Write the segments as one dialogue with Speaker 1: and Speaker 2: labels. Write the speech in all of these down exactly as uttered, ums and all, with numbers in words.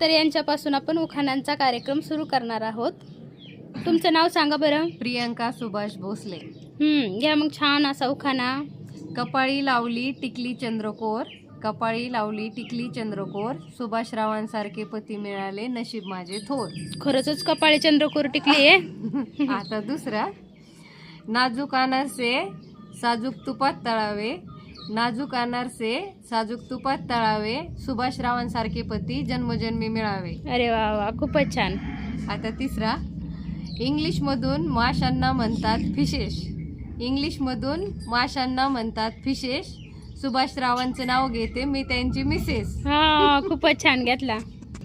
Speaker 1: तर यांच्यापासून आपण उखाण्यांचा कार्यक्रम सुरू करणार आहोत. तुमचं नाव सांगा बरं.
Speaker 2: प्रियंका सुभाष भोसले.
Speaker 1: हम्म घ्या मग छान असा उखाणा.
Speaker 2: कपाळी लावली टिकली चंद्रकोर, कपाळी लावली टिकली चंद्रकोर, सुभाषरावांसारखे पती मिळाले नशीब माझे थोर.
Speaker 1: खरंच कपाळी चंद्रकोर टिकली आहे.
Speaker 2: आता दुसरा. नाजूक अनारसे साजूक तुपात तळावे, नाजूक अनारसे साजूक तुपात तळावे, सुभाषरावांसारखे पती जन्मजन्मी मिळावे.
Speaker 1: अरे वा वा खूपच छान.
Speaker 2: आता तिसरा. इंग्लिशमधून माशांना म्हणतात फिशेस, इंग्लिशमधून माशांना म्हणतात फिशेस, सुभाषरावांचं नाव घेते मी त्यांची मिसेस.
Speaker 1: हा खूपच छान घेतला.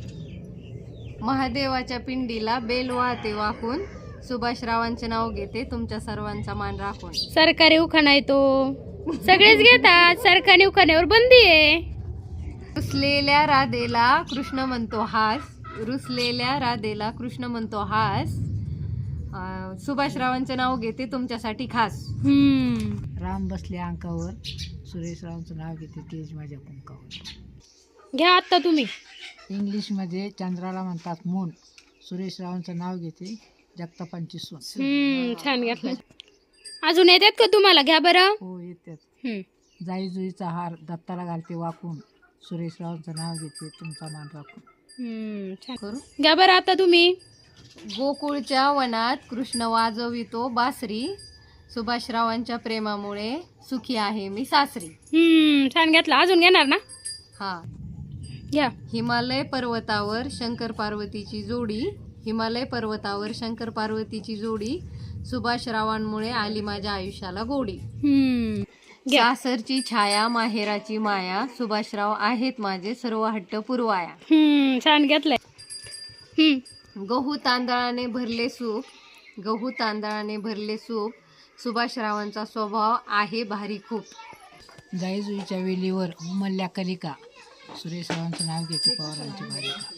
Speaker 2: महादेवाच्या पिंडीला बेल वाहते वाकून, सुभाषरावांचे नाव घेते तुमच्या सर्वांचा मान राखून.
Speaker 1: सरकारी उखाणा आहे तो, सगळेच घेतात. सरकारी उखाण्यावर बंदी आहे.
Speaker 2: रुसलेल्या राधेला कृष्ण म्हणतो हास, रुसलेल्या राधेला कृष्ण म्हणतो हास, अं, सुभाषरावांचं नाव घेते तुमच्यासाठी खास.
Speaker 1: हम्म
Speaker 3: राम बसले अंकावर, सुरेशरावांचं नाव घेते तेज माझ्या कुंकावर.
Speaker 1: घ्या आता तुम्ही.
Speaker 3: इंग्लिशमध्ये चंद्राला म्हणतात मून, सुरेशरावांचं नाव घेते जगतापांची सून.
Speaker 1: हम्म छान घेतला. अजून येतात का तुम्हाला? घ्या बरं.
Speaker 3: हो येतात.
Speaker 1: हम्म
Speaker 3: जाई जुईचा हार दत्ताला घालते वाकून, सुरेशरावांचं नाव घेते तुमचा मान राखून.
Speaker 1: हम्म छान.
Speaker 2: करू.
Speaker 1: घ्या बरं आता तुम्ही.
Speaker 2: गोकुळच्या वनात कृष्ण वाजवितो बासरी, सुभाषरावांच्या प्रेमामुळे सुखी आहे मी सासरी.
Speaker 1: हम्म छान घेतला. अजून घेणार ना?
Speaker 2: हा.
Speaker 1: घ्या.
Speaker 2: हिमालय पर्वतावर शंकर पार्वतीची जोडी, हिमालय पर्वतावर शंकर पार्वतीची जोडी, सुभाषरावांमुळे आली माझ्या आयुष्याला गोडी.
Speaker 1: हम्म घ्या.
Speaker 2: सासरची छाया माहेराची माया, सुभाषराव आहेत माझे सर्व हट्ट पुरवाया.
Speaker 1: हम्म छान घेतलंय. हम्म
Speaker 2: गहू तांदळाने भरले सूप, गहू तांदळाने भरले सूप, सुभाषरावांचा स्वभाव आहे भारी खूप.
Speaker 3: जाई जुईच्या वेलीवर उमलल्या कलिका, सुरेशरावांचं नाव घेते पवारांची बालिका.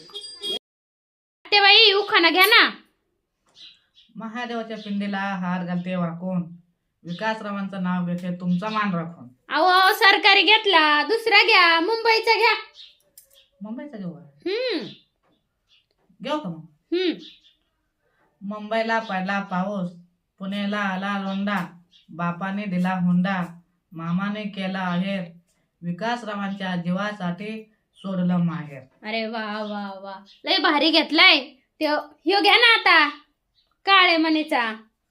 Speaker 1: ते बाई उखाणा घ्या ना.
Speaker 4: महादेवाच्या पिंडीला हार घालते वाकून, विकासरावांचं नाव घेते तुमचा मान राखून.
Speaker 1: अहो सरकारी घेतला. दुसरा घ्या. मुंबईचा घ्या.
Speaker 4: मुंबईचा घेऊ का?
Speaker 1: हम्म
Speaker 4: घेऊ का मग?
Speaker 1: हम्म
Speaker 4: मुंबईला पडला पाऊस, पुण्याला आला लोंडा, बापाने दिला हुंडा, मामाने केला आहेर, विकासरावांच्या जीवासाठी सोडलं माहेर.
Speaker 1: अरे वा वा वा लय भारी घेतलाय. ते ह्यो घ्या ना आता. काळे मनीचा.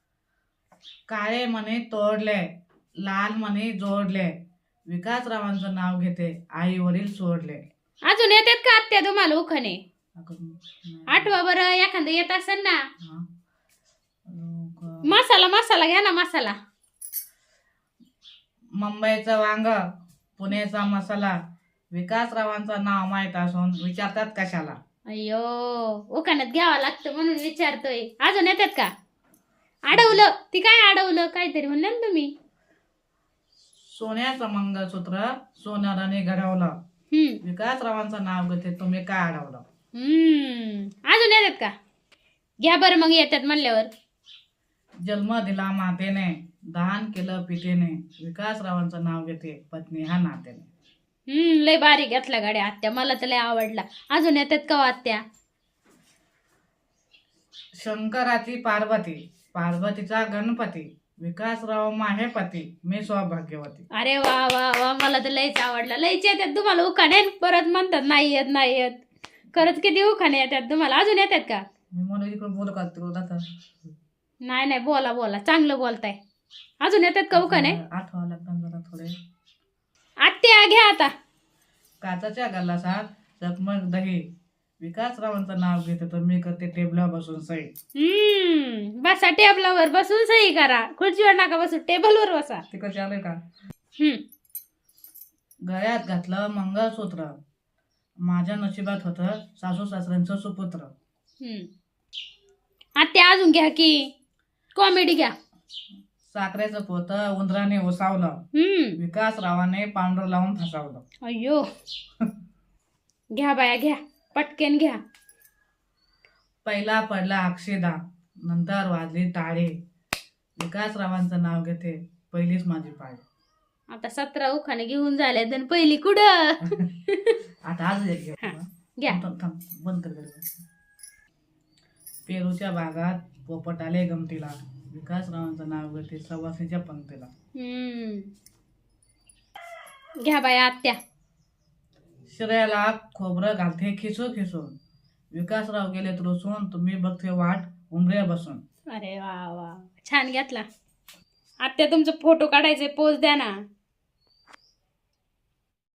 Speaker 4: काळे मने तोडले, लाल मने जोडले, विकासरावांचं नाव घेते आई वडील सोडले.
Speaker 1: अजून येतात का आत्या तुम्हाला उखाणे?
Speaker 4: अगं,
Speaker 1: आठवा बरं एखादं येत असेल ना.
Speaker 4: हा. अगं,
Speaker 1: मसाला मसाला घ्या ना मसाला.
Speaker 4: मुंबईचं वांग, पुण्याचा मसाला, विकासरावांचं नाव माहीत असून विचारतात कशाला.
Speaker 1: अय्यो उखाण्यात घ्यावं लागतं म्हणून विचारतोय. अजून येतात का? अडवलं. ती काय अडवलं? काहीतरी म्हणलं ना तुम्ही.
Speaker 4: सोन्याचं मंगळसूत्र सोनाराने घडवलं,
Speaker 1: हम्म
Speaker 4: विकासरावांचं नाव घेते तुम्ही काय अडवलं.
Speaker 1: हम्म अजून येतात का? घ्या बरं मग येतात म्हणल्यावर.
Speaker 4: जन्म दिला मातेने, दान केलं पितेने, विकासरावांचं नाव घेते पत्नी हा नातेने.
Speaker 1: हम्म लय भारी घेतला गाड्या आत्या. मला तर लय आवडला. अजून येतात का हो आत्या?
Speaker 4: शंकराची पार्वती, पार्वतीचा गणपती, विकासराव माहेपती मी सौभाग्यवती.
Speaker 1: अरे वा वा वा मला तर लयच आवडला. लयच येतात तुम्हाला उखाणे. परत म्हणतात नाही येत नाही येत. खरंच किती उखाणे येतात तुम्हाला. अजून येतात का?
Speaker 4: मी म्हणून इकडे बोलू का तिकडे जाता.
Speaker 1: नाही नाही बोला बोला चांगलं बोलताय. अजून येतात का उखाणे?
Speaker 4: आठवा लागतात जरा थोडे.
Speaker 1: आत्या घ्या आता.
Speaker 4: काचाच्या गल्लासात चकमक दही, विकासरावांचं नाव घेते तर मी करते टेबलावर बसून सही.
Speaker 1: हम्म बसा टेबलावर बसून सही करा. खुर्चीवर नका बसू टेबलवर बसा.
Speaker 4: तिकडे आलंय का?
Speaker 1: हम्म
Speaker 4: गळ्यात घातलं मंगळसूत्र, माझ्या नशिबात होतं सासू सासऱ्यांचं सुपुत्र.
Speaker 1: हम्म आत्या अजून घ्या की. कॉमेडी घ्या.
Speaker 4: साखरेचं पोत उंदराने ओसावलं,
Speaker 1: हम्म
Speaker 4: विकासरावाने पांढरं लावून फसावलं.
Speaker 1: अय्यो घ्या बाया घ्या. पटकन घ्या.
Speaker 4: पहिला पडला अक्षदा, नंतर वाजली टाळे, विकासरावांचं नाव घेते पहिलीच माझी पाळी.
Speaker 1: आता सतरा उखाणे घेऊन झाले तर पहिली कुठं?
Speaker 4: आता आज एक घेऊ.
Speaker 1: घ्या.
Speaker 4: थांब थांब, बंद कर गं. पेरूच्या बागात पोपट आले गमतीला, विकासरावांचं नाव घेते सवासणीच्या पंक्तीला.
Speaker 1: हम्म. घ्या बाया आत्या.
Speaker 4: शिऱ्याला खोबरं घालते खिसून खिसून, विकासराव गेले रुसून, तुम्ही बघते वाट उमऱ्या बसून.
Speaker 1: अरे वा वा, छान घेतला. आत्या तुमचा फोटो काढायचे, पोज द्या ना.